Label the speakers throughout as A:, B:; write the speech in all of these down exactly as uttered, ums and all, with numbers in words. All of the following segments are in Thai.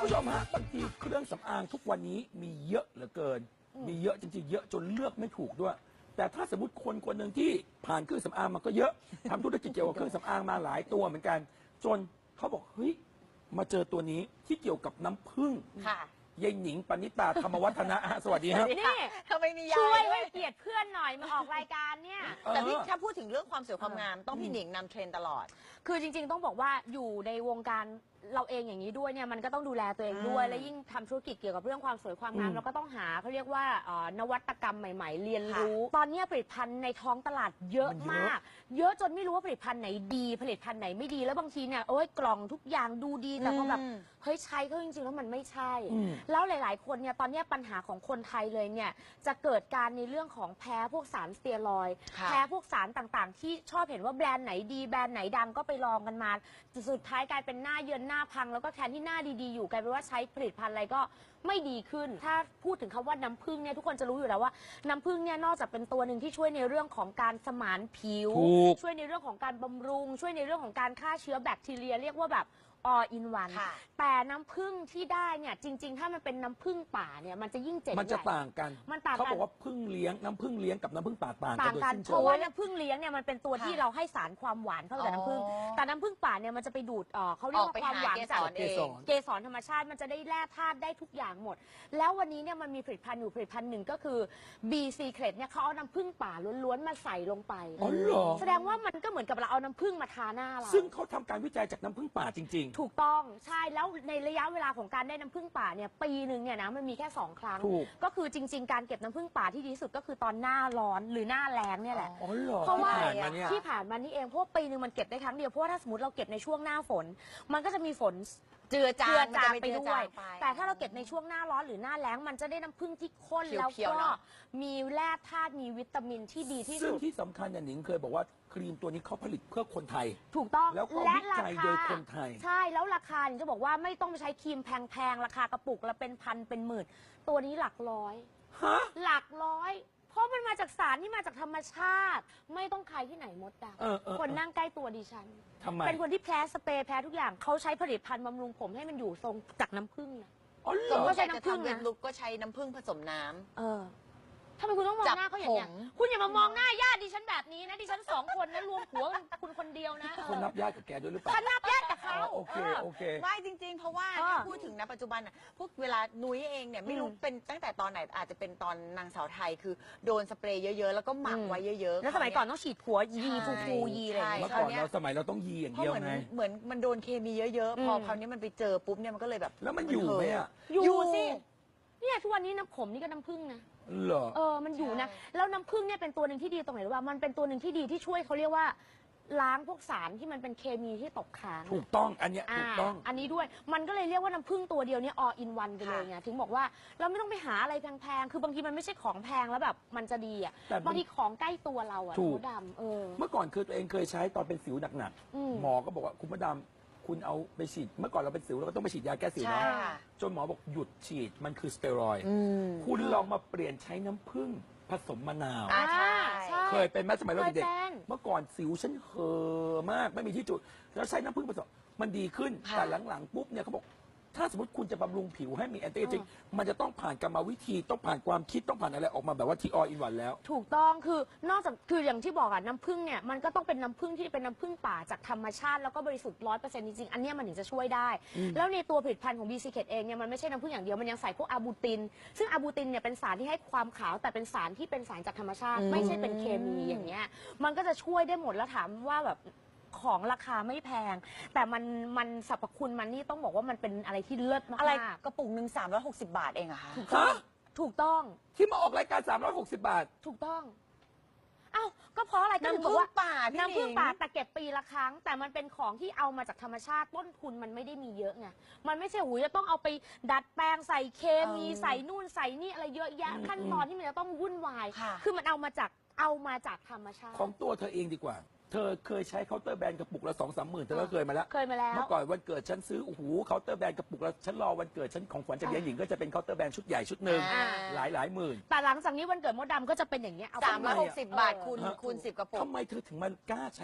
A: ผู้ชมฮะบางทีเครื่องสำอางทุกวันนี้มีเยอะเหลือเกิน มีเยอะจริงๆเยอะจนเลือกไม่ถูกด้วย แต่ถ้าสมมติคนคนหนึ่งที่ผ่านเครื่องสำอางมาก็เยอะทำธุรกิจเกี่ยวกับเครื่องสำอางมาหลายตัวเหมือนกัน จนเขาบอกเฮ้ยมาเจอตัวนี้ที่เกี่ยวกับน้ำผึ้ง
B: ค่ะ
A: ยายหนิงปณิตาธรรมวัฒนะสวัสดีครับ
B: นี่ทำไมมียา
C: ช่วยให้เกียรติเพื่อนหน่อยมาออกรายการเนี่ย
B: แต่พี่ถ้าพูดถึงเรื่องความสวยความงามต้องพี่หนิงนำเทรนด์ตลอด
C: คือจริงๆต้องบอกว่าอยู่ในวงการเราเองอย่างนี้ด้วยเนี่ยมันก็ต้องดูแลตัวเองด้วย
B: อืม
C: และยิ่งทำธุรกิจเกี่ยวกับเรื่องความสวยความงาม
A: อืม
C: เราก็ต้องหาเขาเรียกว่าเอ่อนวัตกรรมใหม่ ๆ เรียนรู้ ตอนนี้ผลิตภัณฑ์ในท้องตลาดเยอะมาก เยอะจนไม่รู้ว่าผลิตภัณฑ์ไหนดีผลิตภัณฑ์ไหนไม่ดีแล้วบางทีเนี่ยโอ้ยกล่องทุกอย่างดูดีแต่พอแบบ
B: อืม
C: เฮ้ยใช้ก็จริงๆแล้วมันไม่ใช่
A: อืม
C: แล้วหลายๆคนเนี่ยตอนนี้ปัญหาของคนไทยเลยเนี่ยจะเกิดการในเรื่องของแพ้พวกสารสเตียรอยด์
B: ค่ะ
C: แพ้พวกสารต่างๆ ที่ชอบเห็นว่าแบรนด์ไหนดีแบรนด์ไหนดังก็ไปลองกันมาสุดท้ายกลายเป็นหน้าเยินหน้าพังแล้วก็แทนที่หน้าดีๆอยู่กลายเป็นว่าใช้ผลิตภัณฑ์อะไรก็ไม่ดีขึ้น ถ้าพูดถึงคำว่าน้ำผึ้งเนี่ยทุกคนจะรู้อยู่แล้วว่าน้ำผึ้งเนี่ยนอกจากเป็นตัวหนึ่งที่ช่วยในเรื่องของการสมานผิว
A: ถูก
C: ช่วยในเรื่องของการบำรุง ช่วยในเรื่องของการฆ่าเชื้อแบคทีเรียเรียกว่าแบบ all in one
B: ค่ะ
C: แต่น้ำผึ้งที่ได้เนี่ยจริง ๆ ถ้ามันเป็นน้ำผึ้งป่าเนี่ยมันจะยิ่งเจ๋ง
A: มันจะ
C: ใหญ่
A: ต่างกัน
C: มันต่างกัน
A: เขาบอกว่าพึ่งเลี้ยงน้ำพึ่งเลี้ยงกับน้ำพึ่งป่าต่างกั
C: ต่าน ง
A: โดย
C: กัน
A: สิ้น
C: เพ
A: เชิ
C: ราะ
A: ง
C: ว่าน้ำผึ้งเลี้ยงเนี่ยมันเป็นตัวที่
B: ค่ะ
C: เราให้สารความหวานเข้าไปกับน้ำผึ้ง
B: อ๋อ
C: แต่น้ำผึ้งป่าเนี่ยมันจะไปดูดเอ่อเขาเรียกว่าความหวานจาก
B: ออกไปหาเกสร
C: เกสรธรรมชาติมันจะได้แร่ธาตุได้ทุกอย่างหมด แล้ววันนี้เนี่ยมันมีผลิตภัณฑ์อยู่ผลิตภัณฑ์หนึ่งก็คือ B Secret เนี่ยเขาเอาน้ำผึ้งป่าล้วนๆมาใส่ลงไป
A: อ๋อเหรอ
C: แสดงว่ามันก็เหมือนกับเราเอาน้ำผึ้งมาทาหน้าเรา
A: ซึ่งเขาทำการวิจัยจากน้ำพึ่งป่าจริง
C: ถูกต้องใช่แล้วในระยะเวลาของการได้น้ำผึ้งป่าเนี่ยปีหนึ่งเนี่ยนะมันมีแค่สองครั้ง
A: ถูก
C: ก็คือจริง ๆ การเก็บน้ำผึ้งป่าที่ดีที่สุดก็คือตอนหน้าร้อนหรือหน้าแล้งเนี่ยแหละ
A: ๆ อ๋อเหรอ
C: เพราะว่า
A: ที่ผ่านมาเนี่ย
C: ที่ผ่านมานี่เองเพราะว่าปีหนึ่งมันเก็บได้ครั้งเดียวเพราะว่าถ้าสมมติเราเก็บในช่วงหน้าฝน มันก็จะมีฝน
B: เจือจาง
C: เจือจาง
B: มันจะ
C: ไป
B: เจือ
C: ด้วย
B: จางไป
C: แต่ถ้าเราเก็บในช่วงหน้าร้อนหรือหน้าแล้งมันจะได้น้ำผึ้งที่ข้นแล้ว
B: เขียวๆ
C: ก็
B: เนอะ
C: มีแร่ธาตุมีวิตามินที่ดีที่
A: ซึ่ง
C: สุด
A: ที่สำคัญเนี่ยหนิงเคยบอกว่าครีมตัวนี้เขาผลิตเพื่อคนไทย
C: ถูกต้อง
A: แล้วก็
C: และ
A: วิ
C: รา
A: จัย
C: คา
A: โดยคนไทย
C: ใช่แล้วราคาเนี่ยจะบอกว่าไม่ต้องไปใช้ครีมแพงๆราคากระปุกละเป็นพันเป็นหมื่น ตัวนี้หลักร้อย
A: ฮะ
C: หลักร้อย เพราะมันมาจากสารที่มาจากธรรมชาติ ไม่ต้องใครที่ไหนมดด
A: เออเออ
C: ำคนนั่งใกล้ตัวดิฉัน
A: ทำไม
C: เป็นคนที่แพ้สเปรย์แพ้ทุกอย่างเขาใช้ผลิตภัณฑ์บำรุงผมให้มันอยู่ทรงจากน้ำผึ้งนะ
A: อ๋อเหร
B: สม
A: อ
B: ม
C: ก็
B: ติ
C: ใช้
B: อยากจะ
C: น้ำผึ้ง
B: ทำเว็
C: นะ
B: บลุกก็ใช้น้ำผึ้งผสมน้ำ
C: เออทำไมคุณต้องมอง
B: จับ
C: หน้าเขาอย่างนี้ย
B: ผม
C: คุณอย่ามามองหน้าญาติดิฉันแบบนี้นะดิฉันสองคนนะรวมหัวกันคุณคนเดียวนะเออ
A: คนนับญาติกับแกด้วยหรือเปล่า
C: ฉันนับญาติกับเขา
A: อ๋อโอเคโอเค
B: ไม่จริง ๆ เพราะว่า
C: เออ
B: ถ้าพูดถึงนะปัจจุบันน่ะพวกเวลานุ้ยเองเนี่ยไม่รู้
C: อืม
B: เป็นตั้งแต่ตอนไหนอาจจะเป็นตอนนางสาวไทยคือโดนสเปรย์เยอะๆ แล้วก็หมัก
C: อืม
B: ไว้เยอะๆ
C: แล้วสมัยก่อนต้องฉีดผัวยี
B: ใช่
C: ฟูฟูยีอะไรอย่าง
A: เมื่
C: เงี้
A: อย ก่อนเราสมัยเราต้องยีอย่าง
B: เพราะ
A: เดียว
B: เหมือน
A: ไง
B: เหมือนมันโดนเคมีเยอะๆ พอ
C: อืม
B: คราวนี้มันไปเจอปุ๊บเนี่ยมันก็เลยแบบ
A: แล้วมันอยู่ไหมอ่ะ
C: อยู่สิเนี่ยทุกวันนี้น้ำผมนี่ก็น้ำผึ้งนะ
A: เหรอ
C: เออ มันอยู่นะ
B: ใช่
C: แล้วน้ำผึ้งเนี่ยเป็นตัวหนึ่งที่ดีตรงไหนรู้ป่ะมันเป็นตัวหนึ่งที่ดีที่ช่วยเขาเรียกว่า ล้างพวกสารที่มันเป็นเคมีที่ตกค้าง
A: ถูกต้องอันเนี้ย
C: อ่า
A: ถูกต้อง
C: อันนี้ด้วย มันก็เลยเรียกว่าน้ำผึ้งตัวเดียวเนี่ย all in one ไปเลยไง ถึงบอกว่าเราไม่ต้องไปหาอะไรแพงๆ คือบางทีมันไม่ใช่ของแพงแล้วแบบมันจะดีอ่ะ
A: แต่มัน
C: บางทีของใกล้ตัวเราอ่ะ
A: ถูก
C: มดดำเออ
A: เมื่อก่อนคือตัวเองเคยใช้ตอนเป็นสิวหนัก
C: อืม
A: ๆหมอก็บอกว่าคุณมดดำคุณเอาไปฉีด เมื่อก่อนเราเป็นสิวเราก็ต้องไปฉีดยาแก้สิว
B: ใช่
A: เนาะ
B: ค่ะ
A: จนหมอบอกหยุดฉีดมันคือสเตียรอยด์
B: อืม
A: คุณลองมาเปลี่ยนใช้น้ำผึ้งผสมมะนาว
B: อ่าใช่
C: ใช่
A: เคยเป็นไหมสมัยเราเด็ก
C: เคยเป็น
A: ๆเมื่อก่อนสิวฉันเห่อะมากไม่มีที่จุด แล้วใช้น้ำผึ้งผสมมันดีขึ้น
B: ค่ะ
A: แต่หลังๆปุ๊บเนี่ยเขาบอกถ้าสมมติคุณจะบำรุงผิวให้มีแอนตี้เอจิ้งมันจะต้องผ่านกรรมวิธีต้องผ่านความคิดต้องผ่านอะไรออกมาแบบว่าที่ออินวันแล้ว
C: ถูกต้องคือนอกจากคืออย่างที่บอกอะน้ำผึ้งเนี่ยมันก็ต้องเป็นน้ำผึ้งที่เป็นน้ำผึ้งป่าจากธรรมชาติแล้วก็บริสุทธิ์ร้อยเปอร์เซ็นต์จริงๆอันเนี้ยมันถึงจะช่วยได้ แล้วในตัวผลิตภัณฑ์ของ B Secret เองเนี่ยมันไม่ใช่น้ำผึ้งอย่างเดียวมันยังใส่พวกอะบูติน ซึ่งอะบูตินเนี่ยเป็นสารที่ให้ความขาวแต่เป็นสารที่เป็นสารจากธรรมชาติ
B: อืม
C: ไม่ใช่เป็นเคมีอย่างเงี้ยมันก็จะช่วยได้หมดแล้วถามว่าแบบของราคาไม่แพง แต่มันมันสรรพคุณมันนี่ต้องบอกว่ามันเป็นอะไรที่เลิศมากๆ
B: อะไรกระปุกหนึ่งสามร้อยหกสิบบาทเองอะคะ
C: ถูกต้อง
A: ฮะ
C: ถูกต้อง
A: ที่มาออกรายการสามร้อยหกสิบบาท
C: ถูกต้อง เอ้า ก็เพราะอะไรก็ถึง
B: น้ำ
C: บ
B: ผึ้
C: อก
B: ง
C: ว่า
B: ป่าพี่
C: น้ำผึ้ง
B: หนิง
C: ป่าแต่เก็บปีละครั้ง แต่มันเป็นของที่เอามาจากธรรมชาติต้นทุนมันไม่ได้มีเยอะไง มันไม่ใช่หูยจะต้องเอาไปดัดแปลงใส่เคมี
B: เออ
C: ใส่นู่นใส่นี่อะไรเยอะแยะ
A: อืม
C: ขั้นตอนที่มันจะต้องวุ่นวาย
B: ค่ะ
C: คือมันเอามาจากเอามาจากธรรมชาติ
A: ของตัวเธอเองดีกว่า เธอเคยใช้เคาน์เตอร์แบรนด์กระปุกละสองสามหมื่นเธอก็เคยมาแล้ว
C: เคยมาแล้ว
A: เมื่อก่อนวันเกิดฉันซื้อโอ้โหเคาน์เตอร์แบรนด์กระปุกละฉันรอวันเกิดฉันของขวัญจากยายหญิงก็จะเป็นเคาน์เตอร์แบรนด์ชุดใหญ่ชุดหนึ่ง
B: อ่า
A: หลายหลายหมื่น
C: แต่หลังจากนี้วันเกิดมดดำก็จะเป็นอย่างเงี้ยเอาไป
B: สามร้อยหกสิบบาท
C: เออ
B: คูณ
A: ฮะ
B: คูณสิบกระปุก
A: ทำไมเธอถึงมากล้าใช้ส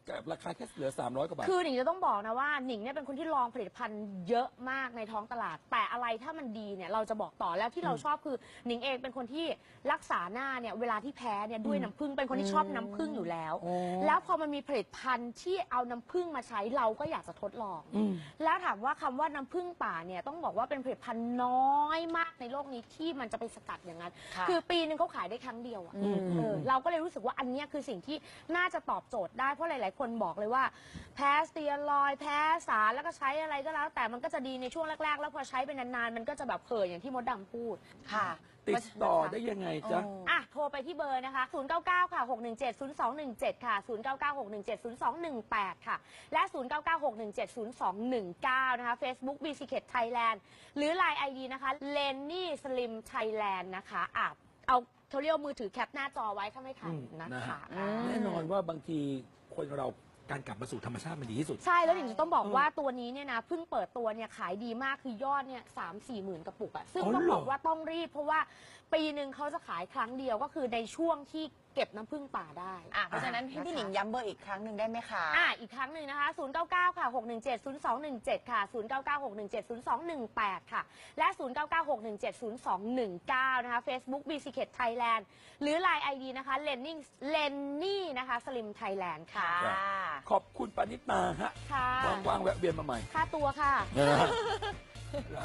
A: กับราคาแค่เหลือสามร้อยกว่าบาท
C: คือหนิงจะต้องบอกนะว่าหนิงเนี่ยเป็นคนที่ลองผลิตภัณฑ์เยอะมากในท้องตลาด แต่อะไรถ้ามันดีเนี่ยเราจะบอกต่อแล้วที่เราชอบคือหนิงเองเป็นคนที่รักษาหน้าเนี่ยเวลาที่แพ้เนี่ยด้วยน้ำผึ้งเป็นคนที่ชอบน้ำผึ้งอยู่แล้ว
A: โอ้
C: แล้วพอมันมีผลิตภัณฑ์ที่เอาน้ำผึ้งมาใช้เราก็อยากจะทดลอง
A: อืม
C: แล้วถามว่าคำว่าน้ำผึ้งป่าเนี่ยต้องบอกว่าเป็นผลิตภัณฑ์น้อยมากในโลกนี้ที่มันจะไปสกัดอย่างนั้น
B: ค่ะ
C: คือปีนึงเขาขายได้ครั้งเดียวอะ
B: อืม
C: เออเราก็เลยรู้สึกว่าอันเนี้ยคือสิ่งที่น่าจะตอบโจทย์ได้เพราะหลาย ๆ คนบอกเลยว่าแพ้สเตียรอยด์แพ้สารแล้วก็ใช้อะไรก็แล้ว แต่มันก็จะดีในช่วงแรก ๆ แล้วพอใช้ไปนาน ๆ มันก็จะแบบเผยอย่างที่มดดำพูด
B: ค่ะ
A: ติดต่อได้ยังไงจ๊ะ
B: โอ้
C: อ่ะ โทรไปที่เบอร์นะคะ ศูนย์ เก้า เก้า ค่ะ หก หนึ่ง เจ็ด ศูนย์ สอง หนึ่ง เจ็ด ค่ะ ศูนย์ เก้า เก้า หก หนึ่ง เจ็ด ศูนย์ สอง หนึ่ง แปด ค่ะ และ ศูนย์ เก้า เก้า หก หนึ่ง เจ็ด ศูนย์ สอง หนึ่ง เก้า นะคะ Facebook b c k e t Thailand หรือ ไลน์ ไอ ดี นะคะ Lenny Slim Thailand นะคะอ่ะเอาเขาเรียกว่ามือถือแคปหน้าจอไว้ถ้าไม่ทัน
A: อืม
C: นะ
A: นะฮะ
C: คะ
B: อืม
A: แน่นอนว่าบางทีคนเราการกลับมาสู่ธรรมชาติมันดีที่สุด
C: ใช่แล้วหนิงจะต้องบอก
A: เออ
C: ว่าตัวนี้เนี่ยนะเพิ่งเปิดตัวเนี่ยขายดีมากคือยอดเนี่ยสามสี่หมื่นกระปุกอะซึ่ง
A: อ๋อ
C: ต้อง
A: เหรอ
C: บอกว่าต้องรีบ เพราะว่าปีหนึ่งเขาจะขายครั้งเดียวก็คือในช่วงที่เก็บน้ำผึ้งป่าได้
B: อ่ะเพราะฉะนั้นให้พี่หนิงย้ำเบอร์อีกครั้งหนึ่งได้ไหมคะ
C: อ่ะอีกครั้งหนึ่งนะคะ ศูนย์ เก้า เก้า ค่ะ หก หนึ่ง เจ็ด ศูนย์ สอง หนึ่ง เจ็ด ค่ะ ศูนย์ เก้า เก้า หก หนึ่ง เจ็ด ศูนย์ สอง หนึ่ง แปด ค่ะ และ ศูนย์ เก้า เก้า หก หนึ่ง เจ็ด ศูนย์ สอง หนึ่ง เก้า นะคะ Facebook b c k e t Thailand หรือ ไลน์ ไอ ดี นะคะ Lenny Lenny นะคะ Slim Thailand ค่ะ
B: ค่ะ
A: ขอบคุณปณิตาฮะ
C: ค่ะ
A: ว่างๆแวะเวียนมาใหม่
C: ค่าตัวค่ะ
A: นะฮะ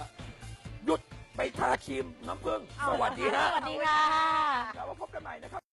A: หยุดไปทาครีมน้ำผึ้งสวัสดีฮะ
C: สวัสดีค่ะ
A: แล้วมาพบกันใหม่นะครับ